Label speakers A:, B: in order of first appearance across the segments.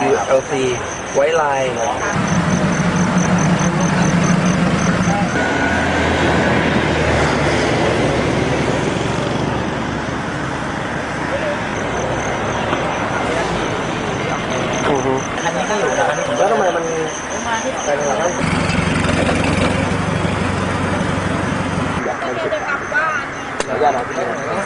A: ULC ไว้ลาย
B: คันนี้ก็อยู่นะแล้วทำไมมันเป็นอะไรนะอยากจะกลับบ้านอยากจะไปไหนนะ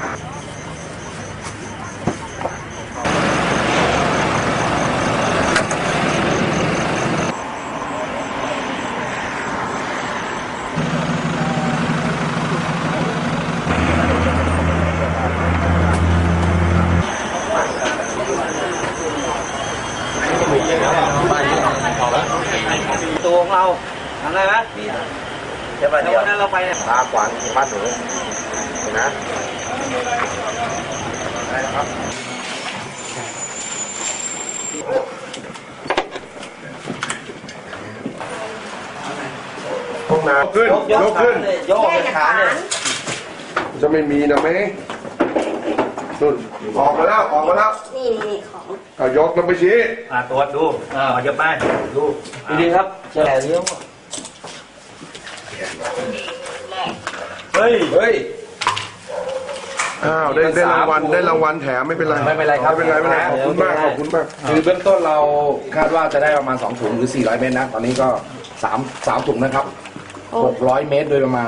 A: ตัวของเราทำได้ไหมเดี๋ยววันนั้นเราไปเนี่ย
B: ตาขวางบ้านหนูเห็นนะได้ครับห้องน้ำขึ้นยกขึ้น
A: โยกขาเนี่ย
B: จะไม่มีนะไหมนุ่นออกมาแล้วออกมาแล้ว
C: นี่ของ
B: เอายกแล้วไปชี้
D: ตรวจดูเยอะไปดู
A: ดีๆครับแฉลเลี้ยว
D: เฮ้ย
B: เฮ้ยอ้าวได้รางวัลแถมไม่เป็นไร
E: ไม่เป็นไรครับ
B: ไม่เป็นไรขอบคุณมากขอบคุณมาก
E: คือเบื้องต้นเราคาดว่าจะได้ประมาณ2ถุงหรือ400เมตรนะตอนนี้ก็3ถุงนะครับ600เมตรโดยประมาณ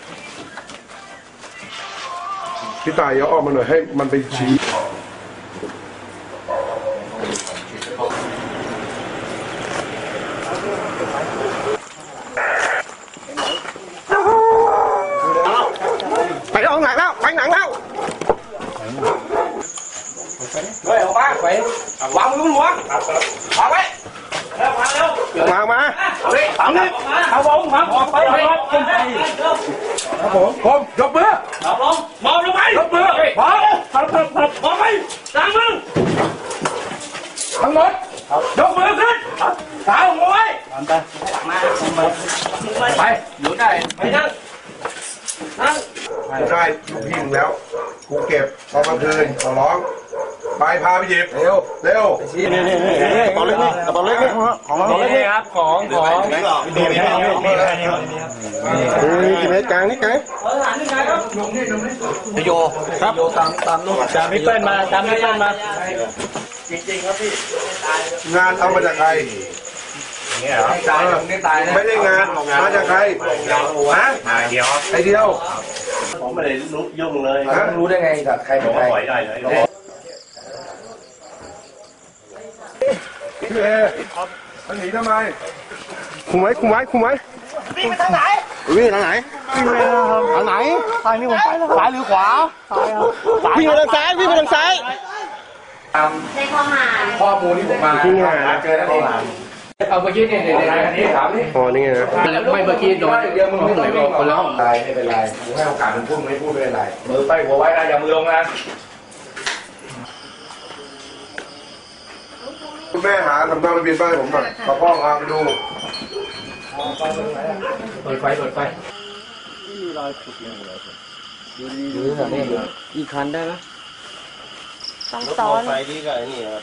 B: พี่ตายเอาออกมาหน่อยให้มันไปชี้ไปเอาหนังแล้วไปหนังแล้ว
E: เฮ้ยออกมาวางมือหัววางไว้
B: มา
E: เอาเลยเอาผมออกไปครับผมยกมือมองลงไปยกมือพร้อมมองไปล้างมือทั้งหมดยกมือขึ้นเท้าหัวไว้ไปอยู่ได้ไปนั่ง
B: ได้ลูกพี่มึงแล้วกูเก็บตอนกลางคืนขอร้องไปพาไปหยิบเร็วกระเป๋าเล็กนี่กระเป๋าเล็กนี่ของเรา
D: นี่ครับของ
B: กี่เมตรกลางนี่ไง
A: โยครับโยตามนู่น
D: ตามพี่เปิ้ลมา
A: จริงๆครับพี่
B: งานเอามาจากใครไม่ได้งานมาจากใครฮะ
D: เดียว
B: ไอเดียว
D: ผมไม่ได้ยุ่งเลย
E: รู้ได้ไงจากใครเป็นใคร
D: ปล่อยได้เลย
B: พี่เอมันหนีทำไมคุมไว้
C: วิ่งไปทางไหน
B: วิ่งทางไหนทางไหนซ้ายนี่ผมไปซ้ายหรือขวาวิ่งไปทางซ้าย
C: ในข้อหา
E: ข้อมูลที่ผมมาเจอแล้วเองเอาเมื่อกี้เนี่ยอันนี้ถามนี่
B: อ๋อนี่ไง
E: ไม่เมื่อกี้โดนเดียวมึงไม่ไหนบอกคนละห้องไม่เป็นไรกูให้โอกาสมึงพูดไม่พูดไม่เป็นไรมือไปหัวไว้นะอย่ามือลงนะ
B: คุณแม่หาทำตามระเบียบบ้านผมหน่อยขอพ่อพาไปดู
E: เปิดไฟ
A: มีรอยขุดเลยดูอีกคันได้ไหม
C: ต้องซ้อน
A: ไฟที่กับนี่ครับ